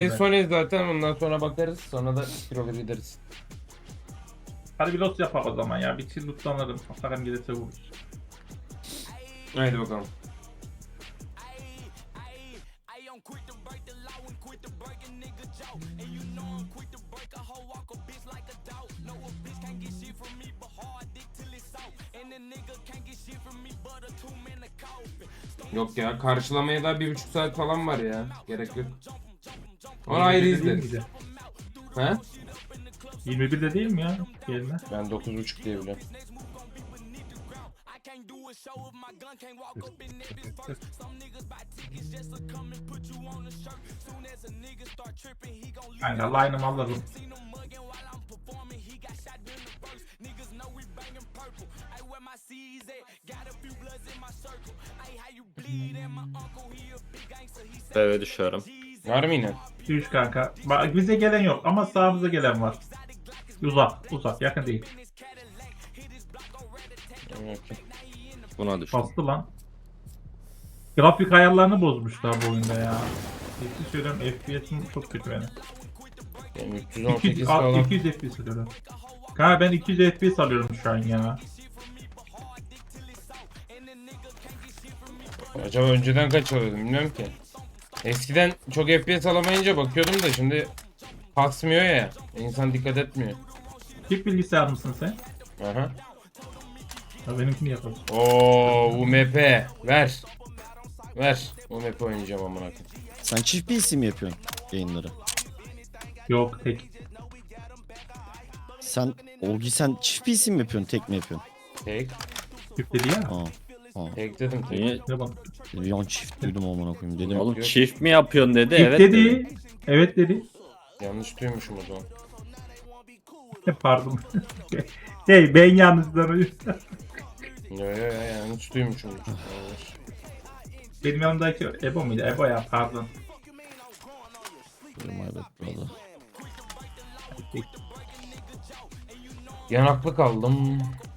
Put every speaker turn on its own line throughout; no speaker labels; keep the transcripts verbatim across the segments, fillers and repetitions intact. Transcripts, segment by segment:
En son zaten ondan sonra bakarız. Sonra da kiloları gideriz.
Hadi bir lot yapak o zaman ya. Bir çiz lootlanırım. Param gelirse vururuz.
Haydi bakalım. Yok ya, karşılamaya da bir buçuk saat falan var ya. Gerek yok. Onu ayrı izleriz. He?
yirmi birde değil mi ya? Gelme.
Ben dokuz buçuk diye biliyorum.
Kanka line'ımı alırım.
Eve düşüyorum.
Var mı yine?
Üç kanka. Bak bize gelen yok ama sağımıza gelen var. Uzak, uzak, yakın değil.
Okay.
Buna düştüm.
Bastı lan. Grafik ayarlarını bozmuşlar bu oyunda ya. Ciddi söylüyorum F P S'im çok kötü benim.
Benim üç yüz on sekiz
iki yüz,
falan.
iki yüz F P S alıyorum. Kanka ben iki yüz F P S alıyorum şu an ya.
Acaba önceden kaç alıyordum bilmiyorum ki. Eskiden çok F P S alamayınca bakıyordum da şimdi kasmıyor ya. İnsan dikkat etmiyor.
Çift bilgisayar mısın sen?
Aha.
Ya benimkini yapalım.
Oo, U M P ver. Ver. U M P oynayacağım amına koyayım.
Sen çift bir isim mi yapıyorsun yayınları?
Yok tek.
Sen Olgi sen çift bir isim mi yapıyorsun, tek mi yapıyorsun?
Tek.
Çift dedi ya.
Aa. Aa.
Tek dedim tek.
Niye?
Ne bak.
Bir an çift duydum amına koyayım dedim.
Oğlum
yok.
çift mi yapıyorsun dedi.
Çift
Evet
dedi.
dedim.
Evet dedi.
Yanlış duymuşum o zaman.
Pardon. Hey ben yalnızdan
Yo yo yo yanlış duymuşum. Yanlış.
Benim yanımdaki Ebo muydu? Ebo ya pardon.
My bad brother.
Yanaklı kaldım.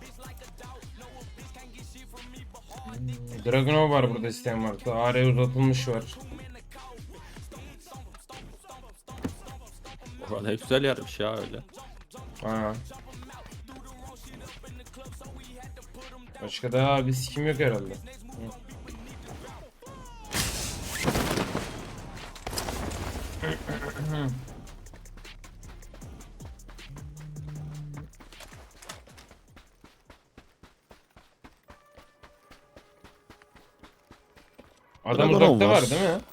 Dragunov var burada isteyen varsa. A R uzatılmış var.
Valla ne güzel yermiş ya öyle.
Ha. Başka da bir sikim yok herhalde. Hı. Adam
Dragunov
uzakta
var.
var değil mi?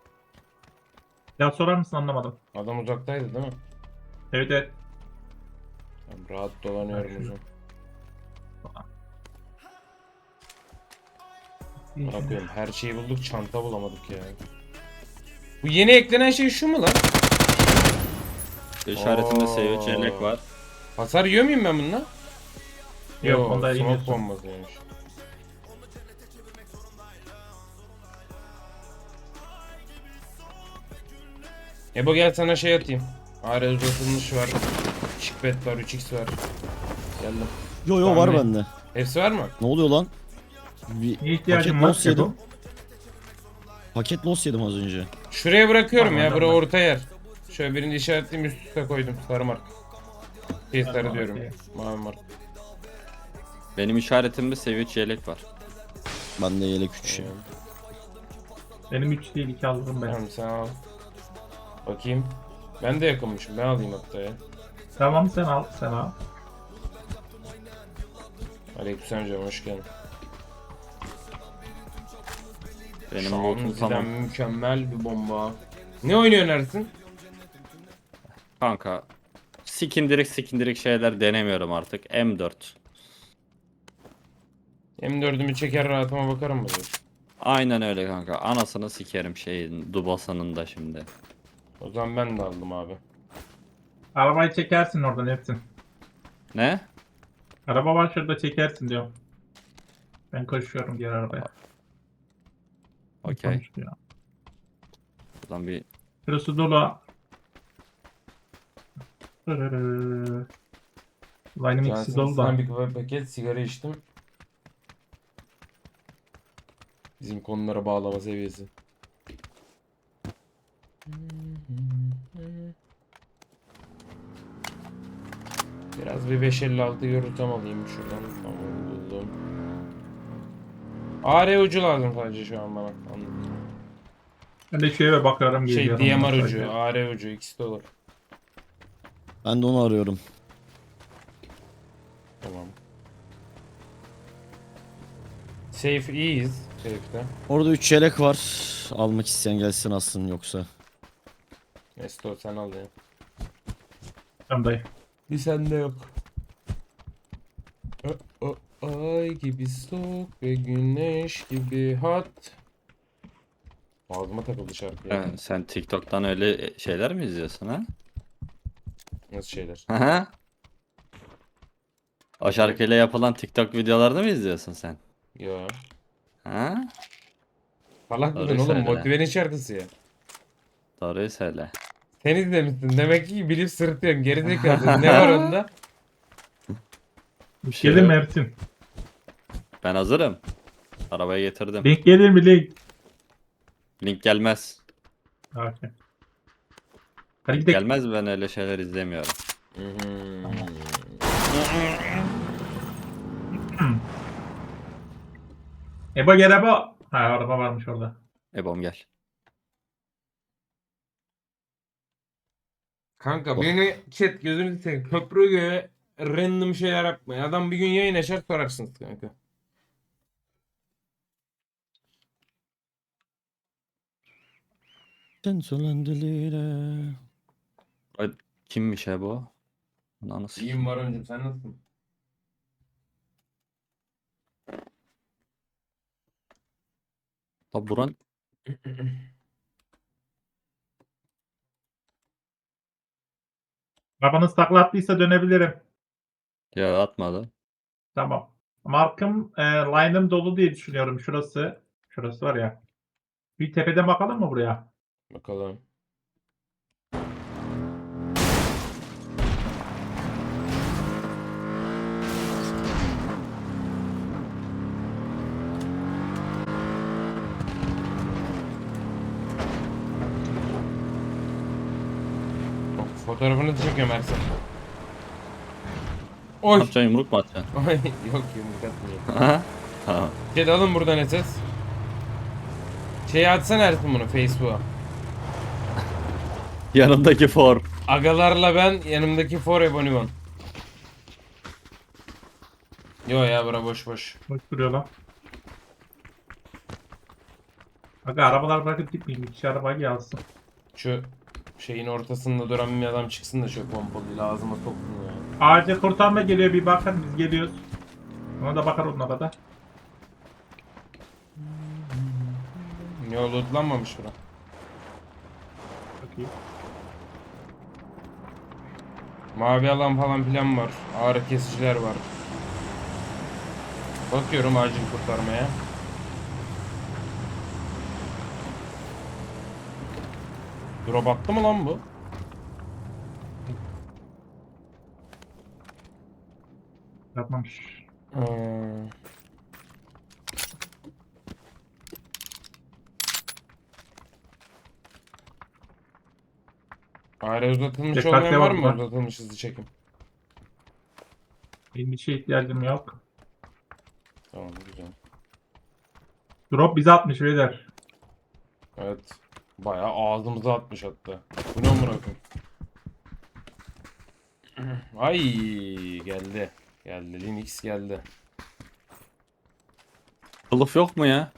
Ya sorar mısın anlamadım.
Adam uzaktaydı değil mi?
Evet evet.
Tamam, rahat dolanıyorum o zaman. Ne yapıyorum? Her şeyi bulduk, çanta bulamadık ya. Bu yeni eklenen şey şu mu lan?
İşaretinde
Oo.
seviye çeyrek var.
Hasar yiyor muyum ben bununla?
Yok, onda
smoke
yemiyorsun.
bombasıymış. Ebo gel sana şey atayım. A R uzatılmış var. Şikbet var, üç x var. Geldim.
Yo yo var
Tahmin.
bende.
Hepsi var mı?
Ne oluyor lan? Bir
Ne ihtiyacın
paket
var
loss yedim.
Ebo?
Paket loss yedim az önce.
Şuraya bırakıyorum ya,
Tamam,
bura
tamam.
orta yer. Şöyle birini işaretleyeyim, üst üste koydum. Sarı mark. Şey sarı
Tamam,
diyorum.
okey.
Mavi mark.
Benim işaretimde seviye çeyrek var.
Bende yelek üç ya.
Benim üç değil iki aldım ben.
Tamam sen al. Bakayım. Ben de yakınmışım. Ben alayım hatta ya.
Tamam sen al sen al.
Aleykümselam canım, hoş geldin.
Benim
Şu an
lootum
bizden
tamam.
mükemmel bir bomba. Ne oynuyorsun Ersin?
Kanka. Sikindirik sikindirik şeyler denemiyorum artık. M dört.
M dördümü çeker rahatıma bakarım mı diyorsun?
Aynen öyle kanka. Anasını sikerim şeyin. Dubasanın da şimdi.
O zaman ben de aldım abi.
Arabayı çekersin oradan hepsini.
Ne?
Araba var şurada çekersin diyor. Ben koşuyorum diğer arabaya.
Okey.
Konuştu ya.
Buradan bir
Şurası dolu. Line'ım ikisi dolu da.
Johnson'dan bir kahve paket sigara içtim. Bizim konulara bağlama seviyesi. Biraz bir beş elli altı yürütem alayım şuradan. Tamam buldum. A R ucu lazım sadece şu an bana. Anladım.
Ben de şu eve bakıyorum
Şey
geliyorum.
D M R
ondan
ucu,
sonra.
A R ucu ikisi de olur.
Ben de onu arıyorum.
Tamam. Safe iyiyiz. Safe'de.
Orada üç yelek var. Almak isteyen gelsin alsın yoksa.
Nesto sen al ya.
Tamam dayı.
Bir sende yok. O, o, ay gibi soğuk ve güneş gibi hat. Ağzıma takıldı şarkı ya.
Ha, sen TikTok'tan öyle şeyler mi izliyorsun ha?
Nasıl şeyler?
Aha. O şarkıyla yapılan TikTok videolarını mı izliyorsun sen?
Yo.
Ha?
Salak
Doğru
mısın oğlum?
söyle.
Motivenin şarkısı ya.
Doğruyu söyle.
Sen izlemişsin. Demek ki bilip sırıtıyorsun. Gerizekalı. Ne var onda?
Bir şey
Gelir mi
yok.
Ersin?
Ben hazırım. Arabayı getirdim.
Link gelir mi link?
Link gelmez.
Okey. Hadi
Link
gidelim.
gelmez, ben öyle şeyler izlemiyorum.
Ebo gel Ebo. Ha araba varmış orada.
Ebom gel.
Kanka beni chat gözünü seveyim. Köprü göğe random şeyler yapmayın. Adam bir gün yayın açar sorarsınız kanka.
Sen söylendilere.
Ay, kimmiş Ebo? Ananı
İyiyim var öncüm sen nasılsın?
La buran
Arabanız takla attıysa dönebilirim.
ya atmadı.
Tamam. Markım e, line'ım dolu diye düşünüyorum. Şurası. Şurası var ya. Bir tepeden bakalım mı buraya?
Bakalım. Fotoğrafını da çekiyorum Ersan.
Ne
Oy.
yapacaksın, yumruk mu atacaksın?
Ay yok yumruk atmıyor.
Aha. Tamam.
Chat alın buradan S S. Şey atsana Ersin bunu Facebook'a.
Yanındaki for.
Agalarla ben yanımdaki for Ebonimon. Yo ya bura boş boş.
Boş duruyor lan. Aga arabalar bırakıp gitmeyin. Bir kişi arabayı gelsin.
Şu şeyin ortasında duran bir adam çıksın da şu pompalıyla ağzıma soksun ya.
Acil kurtarma geliyor, bir bakın, biz geliyoruz. Ona da bakar onlara da.
Yo lootlanmamış bura.
Çok iyi.
Mavi alan falan filan var. Ağrı kesiciler var. Bakıyorum acil kurtarmaya. Drop attı mı lan bu?
Yapmamış.
Hmm. Aile uzatılmış
Dikkatli
olmayan var mı?
olun.
Uzatılmış hızlı çekim.
Benim bir şeye ihtiyacım yok.
Tamam güzel.
Drop bize atmış beyler.
Evet. Bayağı ağzımıza atmış hatta. Bu ne amına koyayım? Ay geldi. Geldi. Linux geldi.
Kılıf yok mu ya?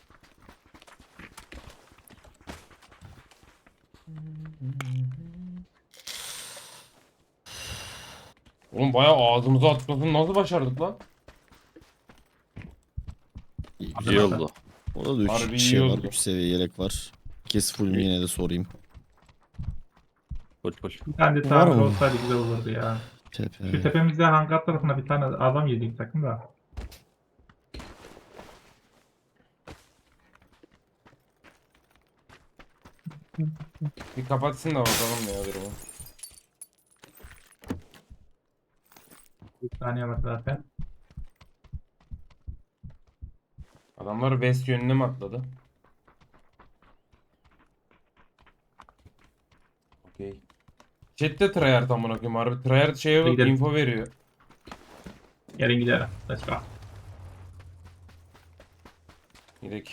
Oğlum bayağı ağzımıza atmasını nasıl başardık lan?
İyi oldu.
Orada da üç
Harbi iyi
şey var.
oldu.
üç seviye yelek var. Kes full mü yine de sorayım.
Koş koş.
Bir tane de
Var
tamir
mı?
olsaydı güzel olurdu ya. Şu
Tepe.
tepemizde hangar tarafına bir tane adam yedik takım da.
Bir kapatsın da bakalım ya durumu.
Bir saniye var zaten.
Adamlar west yönüne mi atladı? Okey. Chat'te tryhard amına koyayım. Harbi tryhard şeye bak
Gidelim.
info veriyor.
Gelin gidelim. Let's go.
Gidelim.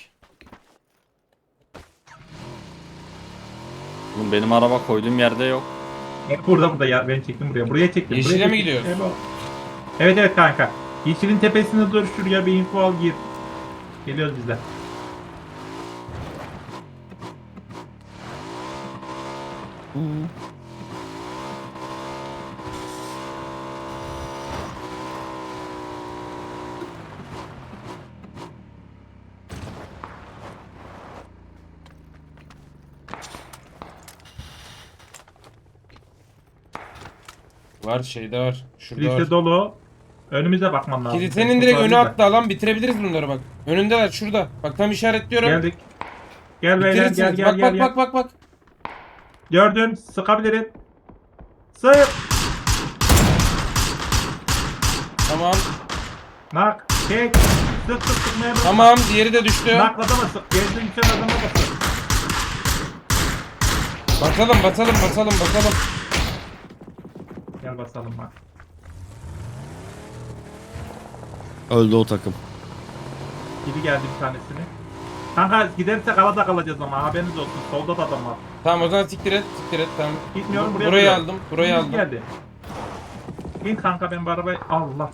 Oğlum benim araba koyduğum yerde yok.
Hep burada burada ya. Ben çektim buraya. Buraya çektim.
Yeşile
buraya
mi
çektim.
gidiyoruz?
Evet, evet evet kanka. Yeşilin tepesinde dur, şuraya bir info al gir. Geliyoruz biz de.
Hmm.
Var şeyde var. Şurada
Kilise
var.
dolu. Önümüze bakman lazım.
Kilisenin direkt önü
Kurtardı da.
hatta lan bitirebiliriz bunları bak. Önündeler şurada. Bak tam işaretliyorum.
Geldik. Gel beyler
Bitirirsiniz.
gel gel
bak
gel.
bak
gel.
bak bak bak.
Gördüm. Sıkabilirim. Sık.
Tamam.
Nak. Çek. Sık sık sıkmaya bak.
Tamam diğeri de düştü.
Nakladama sık. Gezdim sen adama basın.
Basalım basalım basalım basalım.
Gel basalım bak.
Öldü o takım.
Gibi geldi bir tanesini. Kanka gidersek alada kalacağız ama haberiniz olsun. Solda da adam var.
Tamam o zaman siktir et siktir et tamam.
Gitmiyorum,
Bu-
buraya
Burayı
duruyorum.
aldım burayı
Biz
aldım.
Geldi. İn kanka ben bu arabayı... Allah.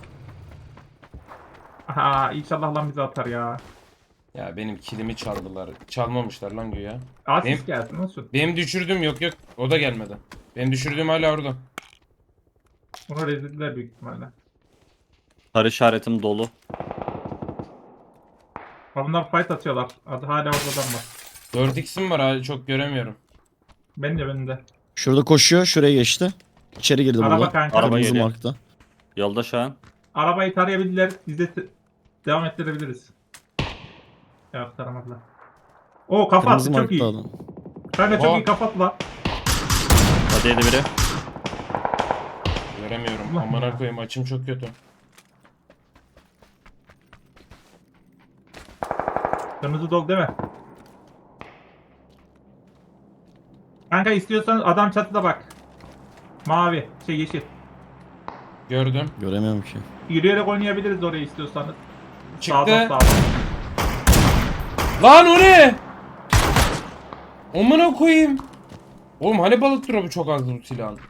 Aha inşallah lan bizi atar ya.
Ya benim kilimi çaldılar. Çalmamışlar lan güya.
Asist
Benim-
gelsin olsun.
Benim düşürdüğüm yok yok o da gelmedi. Benim düşürdüğüm hala orada.
Bunu rezildiler büyük ihtimalle.
Sarı işaretim dolu.
Ha, bunlar fight atıyorlar. Adı hala oradan var.
dört x'im var hala çok göremiyorum.
Ben de ben de.
Şurada koşuyor. Şuraya geçti. İçeri girdi
Araba
burada.
kanka.
Araba
Kırmızı
geliyor.
markta.
Yolda şu an.
Arabayı tarayabildiler. Biz de te- devam ettirebiliriz. Ya taramadılar. O kafa attı
Kırmızı
çok iyi.
markta adam.
Kanka çok
O.
iyi kafatla.
Hadi yedi biri.
Göremiyorum.
Allah
Amına
ya.
koyayım açım çok kötü.
Kırmızı dolu değil mi? Kanka istiyorsan adam çatıda bak. Mavi, şey yeşil.
Gördüm.
Göremiyorum ki.
Yürüyerek oynayabiliriz oraya istiyorsanız.
Çıktı.
Sağdan sağdan.
Lan o ne? Amına koyayım. Oğlum hani balık drop'u çok azdı bu silahın.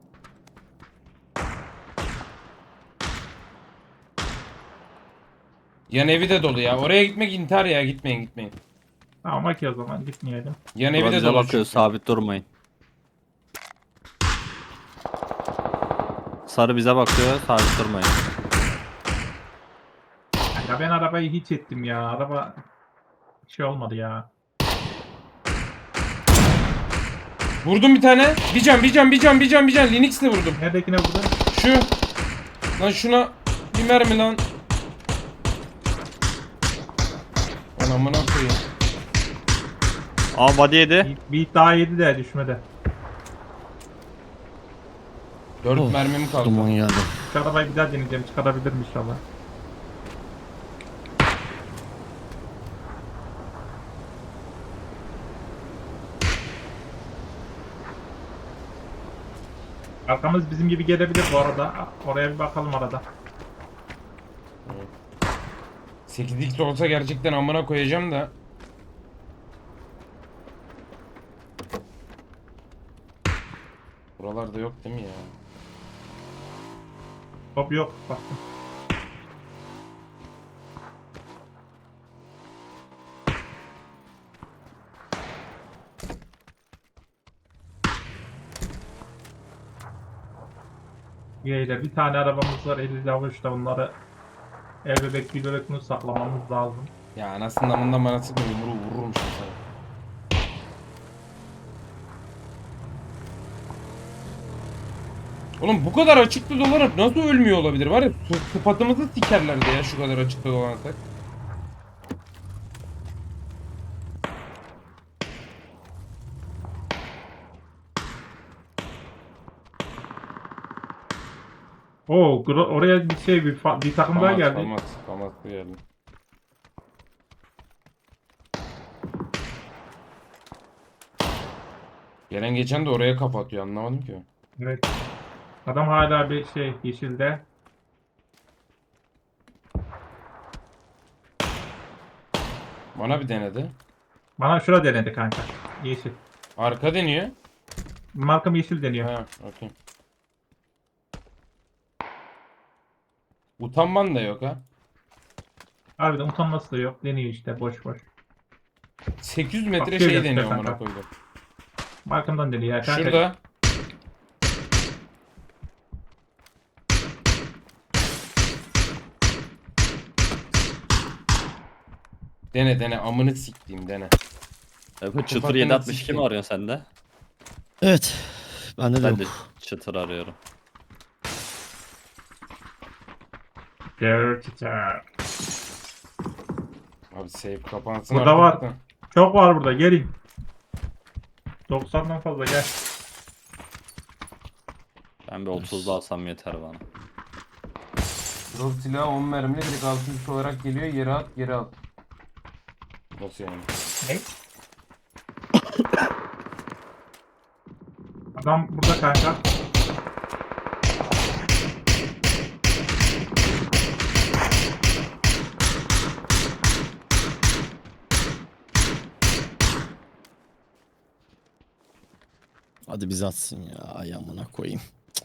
Yan evi de dolu ya. Oraya gitmek intihar ya. Gitmeyin gitmeyin.
Tamam ki o zaman gitmeyelim.
Yan evi
Bura
de
bize
dolu.
bakıyor.
çünkü.
Sabit durmayın. Sarı bize bakıyor. Sabit durmayın.
Ya ben arabayı hiç ettim ya. Araba şey olmadı ya.
Vurdum bir tane. Bir can bir can bir can bir can bir can. Linux'le vurdum.
Neredekine vurdun?
Şu. Lan şuna bir mermi lan. Lan amına koyayım.
Aa body yedi.
Bir, bir daha yedi de düşmedi.
Dört
Of,
mermim kaldı.
Duman geldi.
Şu arabayı bir daha deneyeceğim. Çıkarabilirim inşallah. Arkamız bizim gibi gelebilir bu arada. Oraya bir bakalım arada.
sekiz x olsa gerçekten amına koyacağım da. Buralarda yok değil mi ya?
Hop yok. Baktım. Yeyle bir tane arabamız var elli avuçta bunları el bebek bir bebek bunu saklamamız lazım.
Ya anasının amından bana sıkma yumruğu vururum şimdi sana. Oğlum bu kadar açıkta dolanıp nasıl ölmüyor olabilir var ya sı- sıfatımızı sikerlerdi ya şu kadar açıkta dolansak.
Oo gro- oraya bir şey bir, fa- bir takım daha
Famat
geldi.
famat famat bu geldi. Gelen geçen de oraya kapatıyor anlamadım ki.
Evet. Adam hala bir şey yeşilde.
Bana bir denedi.
Bana şura denedi kanka. Yeşil.
Arka deniyor.
Markam yeşil deniyor.
Ha, okey. Utanman da yok ha.
Harbiden utanması da yok. Deniyor işte boş boş.
sekiz yüz metre
Bak,
şey
şöyle
deniyor
istersen
amına
kanka.
koydum.
Markamdan deniyor ya kanka.
Şurada. Dene dene amını siktiğim dene.
E, bu çıtır
Kapatın
yedi altmış iki
sikeyim.
mi arıyorsun sen de?
Evet. Bende de
Ben
yok.
de çıtır arıyorum.
Gerçekten.
Abi save kapansın
Burada
artık
var.
da.
Çok var burada gelin. doksandan fazla gel.
Ben bir otuzda alsam yeter bana.
Drop silahı on mermili direkt altın üstü olarak geliyor. Yere at geri al. Nasıl yani?
Ne? Adam burada kanka.
Hadi bizi atsın ya. Ay amına koyayım.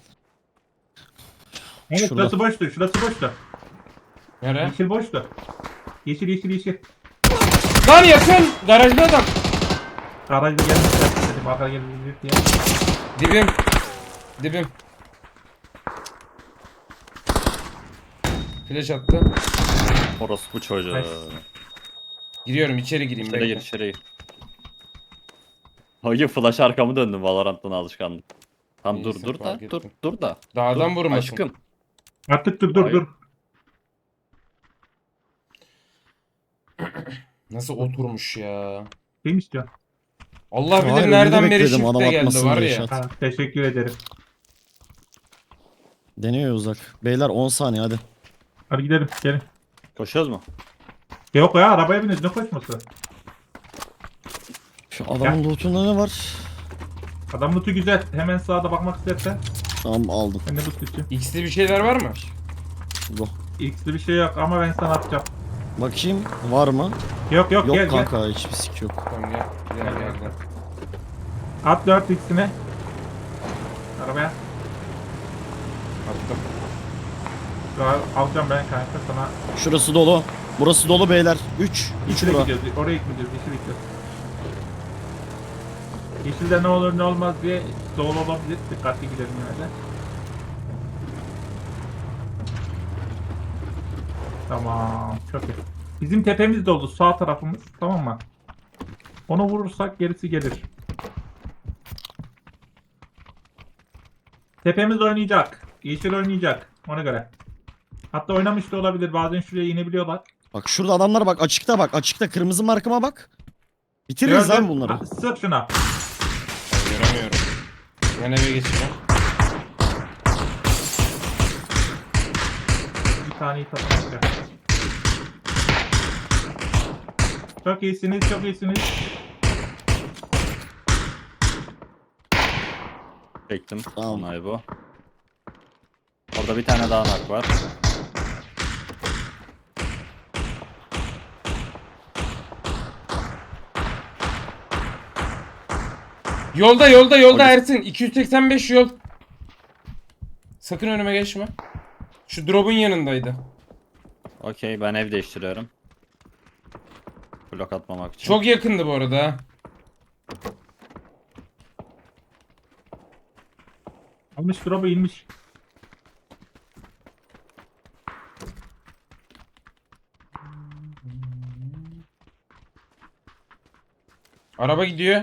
Evet,
Şurada.
şurası boştu. Şurası boştu.
Nere?
Yeşil boştu. Yeşil yeşil yeşil.
Lan yakın! Garajda adam.
Garajda gelmişler. Dedim arka gelebilir diye.
Dibim. Dibim. Flash attı.
Orospu çocuğu.
Nice.
Giriyorum içeri gireyim.
İçeri gir
bekle.
içeri gir. Hayır flash arkamı döndüm Valorant'tan alışkanlık. Tamam dur
İyisin,
dur da
fark
dur
ettim.
dur da.
Dağdan
Dur,
vurmasın.
Aşkım.
Artık dur dur
Hayır.
dur.
Nasıl oturmuş ya.
Kim istiyor?
Allah bilir
Hayır,
nereden
önünde
beri
bekledim, adam
shift'e geldi
atmasın
var
diye
ya.
şat.
Ha, teşekkür ederim.
Deniyor uzak. Beyler on saniye hadi.
Hadi gidelim gelin.
Koşuyoruz mu?
Yok ya arabaya biniz ne koşması?
Şu adamın lootunda ne var?
Adam lootu güzel. Hemen sağda bakmak istersen.
Tamam aldım.
Ben de loot için.
X'li bir şeyler var mı?
Go.
X'li bir şey yok ama ben sana atacağım.
Bakayım var mı?
Yok yok,
Yok
gel gel.
kanka hiçbir sik yok.
Tamam gel. Gel
Gel,
gel
gel.
gel.
At dört X'ine. Arabaya.
Attım.
Al- Alacağım ben kanka sana.
Şurası dolu. Burası dolu beyler. üç. üç
Yeşile
bura.
gidiyoruz. Oraya gidiyoruz. Yeşile gidiyoruz. Yeşilde ne olur ne olmaz diye dolu olabilir. Dikkatli gidelim yine de. Tamam. Çok iyi. Bizim tepemiz dolu. Sağ tarafımız. Tamam mı? Onu vurursak gerisi gelir. Tepemiz oynayacak. Yeşil oynayacak. Ona göre. Hatta oynamış da olabilir. Bazen şuraya inebiliyorlar.
Bak şurada adamlar bak açıkta bak. Açıkta kırmızı markıma bak. Bitiririz lan bunları.
Ha, Sık şuna.
Ben göremiyorum. Ben eve geçeceğim.
Bir taneyi tatmak. Çok iyisiniz, çok iyisiniz.
Çektim.
Tamam.
Onay bu. Orada bir tane daha nak var.
Yolda yolda yolda
Polis.
Ersin. iki yüz seksen beş yol. Sakın önüme geçme. Şu drop'un yanındaydı.
Okey ben ev değiştiriyorum. Blok atmamak için.
Çok yakındı bu arada ha.
Almış drop'u inmiş.
Araba gidiyor.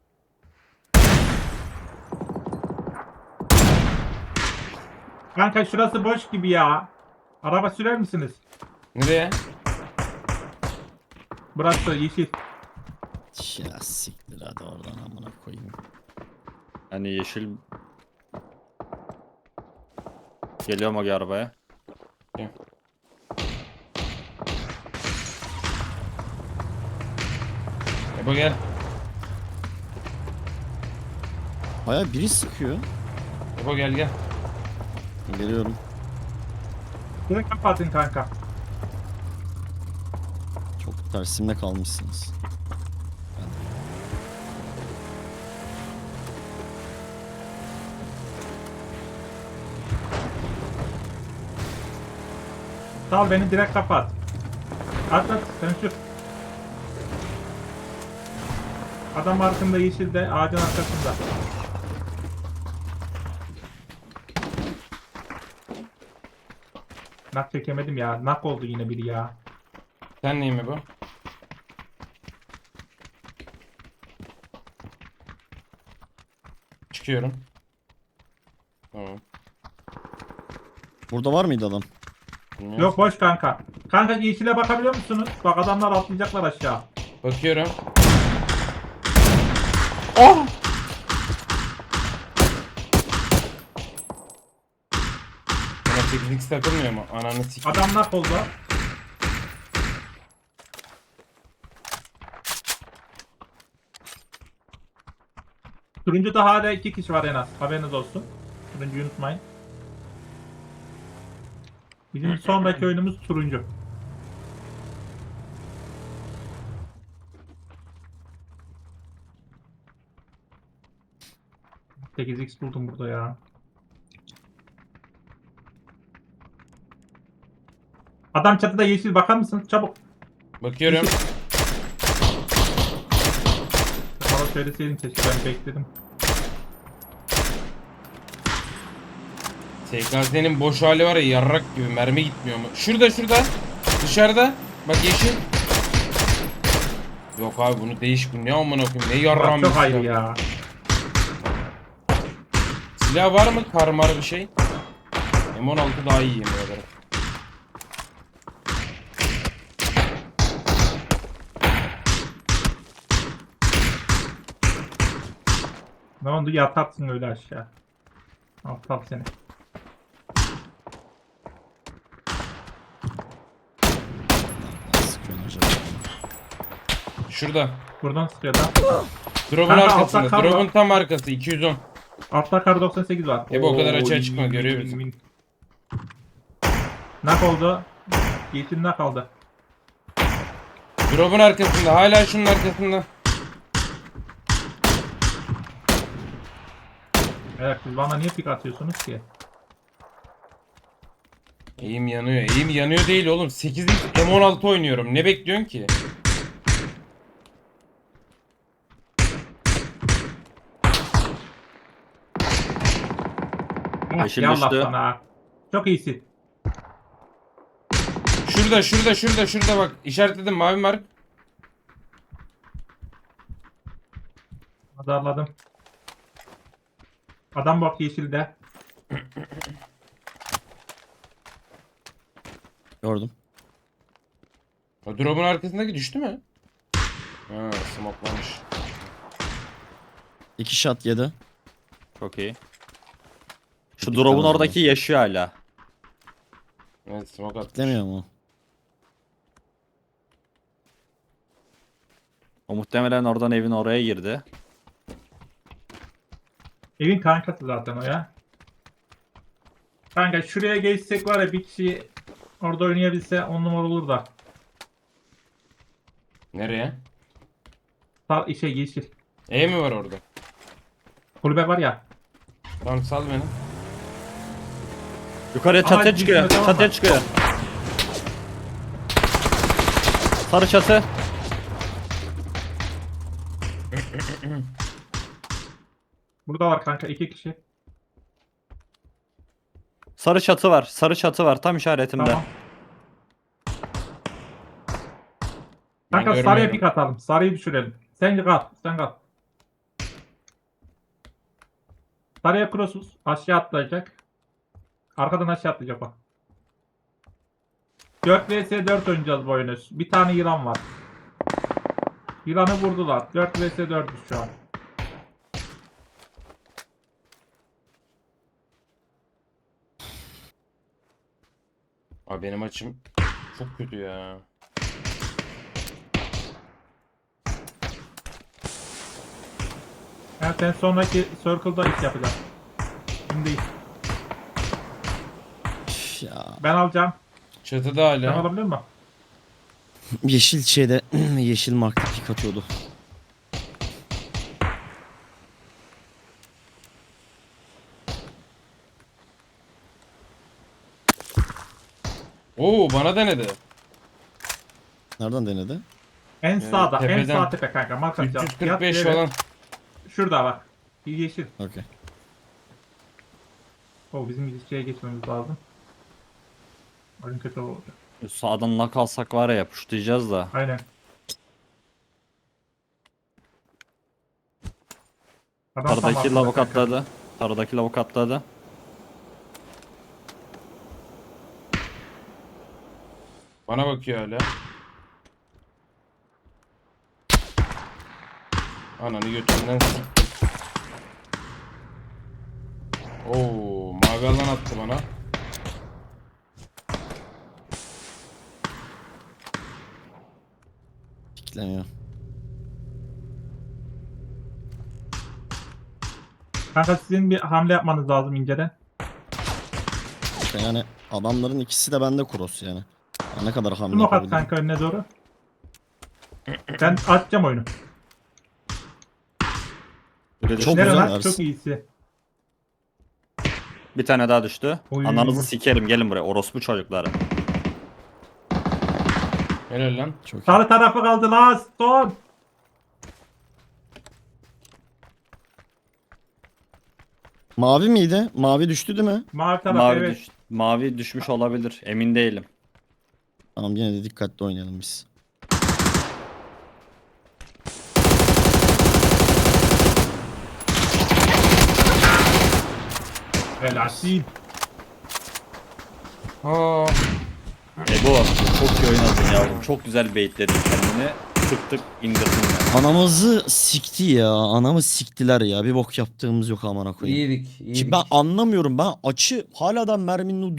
Kanka şurası boş gibi ya. Araba sürer misiniz?
Nereye?
Burası yeşil.
Ya siktir hadi oradan amına koyayım.
Hani yeşil... Geliyorum o arabaya.
Ebo gel.
Baya biri sıkıyor.
Ebo gel gel.
Geliyorum.
Direkt kapatın kanka.
Çok Tersimde kalmışsınız.
Sal beni direkt kapat. At at sen sür. Adam arkında yeşilde ağacın arkasında. Nak çekemedim ya. Nak oldu yine biri ya.
Sen neyim mi bu? Çıkıyorum. Tamam.
Burada var mıydı adam?
Bilmiyorum.
Yok boş kanka. Kanka yeşile bakabiliyor musunuz? Bak adamlar atlayacaklar aşağı.
Bakıyorum. Oh! Bana sekiz x takılmıyor mu? Ananı sik.
Adam nak oldu. Turuncuda hala iki kişi var en az. Haberiniz olsun. Turuncuyu unutmayın. Bizim sonraki oyunumuz turuncu. sekiz x buldum burada ya. Adam çatıda yeşil bakar mısınız? Çabuk.
Bakıyorum.
Bana söyleseydin keşke ben bekledim.
S K S'nin boş hali var ya yarrak gibi mermi gitmiyor mu? Şurada şurada. Dışarıda. Bak yeşil. Yok abi bunu değiş bu ne amına koyayım ne yarram
Bak, çok
bir
ayrı
silah.
ya.
Silah var mı karmar bir şey? M on altı daha iyi yemin ederim.
Ne oldu yatarsın öyle aşağı. Aptal seni.
Sıkıyorsun acaba.
Şurada.
Buradan sıkıyor da.
Drop'un
Kanka,
arkasında.
altta kar
Drop'un
var.
tam arkası iki yüz on.
Altta kar doksan sekiz var.
E bu o kadar
Oo,
açığa
win,
çıkma,
win,
görüyor
win,
bizi.
win. Nak oldu. Yeşil nak aldı.
Drop'un arkasında. Hala şunun arkasında.
Evet siz bana niye pik atıyorsunuz ki?
Eğim yanıyor. Eğim yanıyor değil oğlum. sekiz x M on altı oynuyorum. Ne bekliyorsun ki?
Yeşil
Yallah
düştü.
sana. Çok iyisin.
Şurada şurada şurada şurada bak. İşaretledim mavi mark.
Azarladım. Adam bak yeşilde.
Gördüm.
O drop'un arkasındaki düştü mü? Ha, smoklamış.
İki shot yedi.
Çok iyi. Şu
Bir
drop'un
tane
oradaki yaşıyor hala.
Evet smoke atmış.
Demiyor mu?
O muhtemelen oradan evin oraya girdi.
Evin kankası zaten o ya. Kanka şuraya geçsek var ya bir kişi orada oynayabilse on numara olur da.
Nereye?
Sal işe yeşil.
E mi var orada?
Kulübe var ya.
Tamam sal beni.
Yukarıya
Ama
çatıya çıkıyor.
gitmiyor, tamam
Çatıya
mı?
çıkıyor. Sarı çatı.
Burada var kanka iki kişi.
Sarı çatı var. Sarı çatı var tam işaretimde.
Tamam.
Ben
Kanka sarıya
görmüyorum.
pik atalım. Sarıyı düşürelim. Sen kal. Sen kal. Sarıya crossuz. Aşağı atlayacak. Arkadan aşağı atlayacak bak. dört vs dört oynayacağız bu oyunu. Bir tane yılan var. Yılanı vurdular. dört vs dörtüz şu an.
Abi benim açım çok kötü ya.
Yani sen sonraki circle'da iş yapacaksın. Şimdi değil.
Üf ya.
Ben alacağım.
Çatıda
Sen
hala.
alabilir misin?
Yeşil şeyde yeşil markta pik atıyordu.
Oo bana denedi.
Nereden denedi?
En
Yani
sağda, en
tepeden
sağ tepe kanka. Mark atacağım.
üç yüz kırk
Yat
beş
yere.
falan.
Şurada bak. Bir yeşil.
Okey.
O bizim ilişkiye geçmemiz lazım. Oyun kötü oldu.
Sağdan nak alsak var ya yapıştıracağız da.
Aynen. Adam tam
Taradaki
altında
lavuk
kanka.
atladı. Taradaki lavuk atladı.
Bana bakıyor hala. Ananı götünden siktim. Oo, mavi alan attı bana.
Pikleniyor.
Kanka sizin bir hamle yapmanız lazım inceden.
İşte yani adamların ikisi de bende cross yani. Ya ne kadar hamle
Smoke at
yapabilirim.
kanka önüne doğru. Ben atacağım oyunu.
Biri düştü.
Çok
Nere
güzel
lan?
Ersin.
Çok iyisi.
Bir tane daha düştü.
Oy.
Ananızı sikerim gelin buraya orospu çocukları.
Helal lan.
Çok iyi.
Sarı tarafı kaldı lan. Son.
Mavi miydi? Mavi düştü değil mi?
Mavi taraf
Mavi,
evet.
düş- mavi düşmüş olabilir. Emin değilim.
Tamam yine de dikkatli oynayalım biz.
Helalsin.
Aa,
Ebo çok iyi oynadın yavrum. Çok güzel baitledin kendini. Tık tık indirdin ya.
Anamızı sikti ya. Anamı siktiler ya. Bir bok yaptığımız yok amına koyayım.
iyiydik, iyiydik.
Şimdi ben anlamıyorum. Ben açı hala da merminin